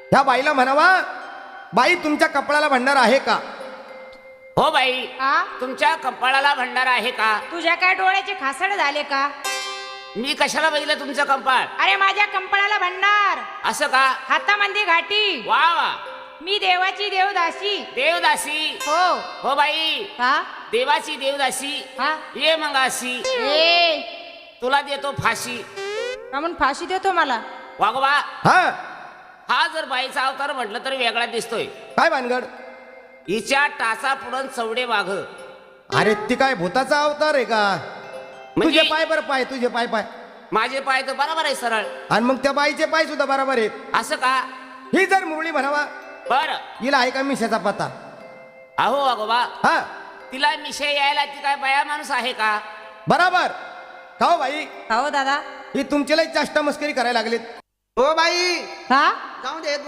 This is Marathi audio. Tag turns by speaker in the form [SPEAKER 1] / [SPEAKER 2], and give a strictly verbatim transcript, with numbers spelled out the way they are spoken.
[SPEAKER 1] ह्या बाईला म्हणावा, बाई तुमच्या कपाळाला भंडार आहे का?
[SPEAKER 2] हो बाई,
[SPEAKER 3] आ?
[SPEAKER 2] तुमच्या कपाळाला भंडार आहे का?
[SPEAKER 3] तुझ्या काय डोळ्याचे खासड झाले का?
[SPEAKER 2] मी कशाला बघितलं तुमचं कंपाळ?
[SPEAKER 3] अरे माझ्या कंपाळाला भंडार,
[SPEAKER 2] असं का?
[SPEAKER 3] हातामध्ये घाटी,
[SPEAKER 2] वा वा,
[SPEAKER 3] मी देवाची देवदासी.
[SPEAKER 2] देवदासी.
[SPEAKER 3] हो.
[SPEAKER 2] हो बाई,
[SPEAKER 3] हा
[SPEAKER 2] देवाची देवदासी.
[SPEAKER 3] हा
[SPEAKER 2] ये मंगासी,
[SPEAKER 3] ए
[SPEAKER 2] तुला देतो फाशी.
[SPEAKER 3] म्हणून फाशी देतो मला.
[SPEAKER 2] वागोबा,
[SPEAKER 1] हा
[SPEAKER 2] हा जर बाईचा अवतार म्हटलं तर वेगळा दिसतोय.
[SPEAKER 1] काय भानगड?
[SPEAKER 2] हिच्या टाचा पुढं चवडे वाघ.
[SPEAKER 1] अरे ती काय भूताचा अवतार आहे का?
[SPEAKER 2] म्हणजे
[SPEAKER 1] तुझे पाय बरं, पाय तुझे पाय पाय
[SPEAKER 2] माझे पाय तर बरोबर आहे सरळ.
[SPEAKER 1] आणि मग त्या बाईचे पाय सुद्धा बरोबर आहेत.
[SPEAKER 2] असं का?
[SPEAKER 1] ही जर मुरळी म्हणावा,
[SPEAKER 2] बर.
[SPEAKER 1] हिला आहे का मिशाचा पत्ता?
[SPEAKER 2] अहो वागोबा,
[SPEAKER 1] हा
[SPEAKER 2] तिला मिशे यायला ती काय बाया माणूस आहे का?
[SPEAKER 1] बराबर. का हो बाई,
[SPEAKER 3] हो दादा.
[SPEAKER 1] ही तुमच्याला चाष्टा मस्करी करायला लागलीत.
[SPEAKER 4] हो बाई,
[SPEAKER 3] हा
[SPEAKER 4] जाऊ दे.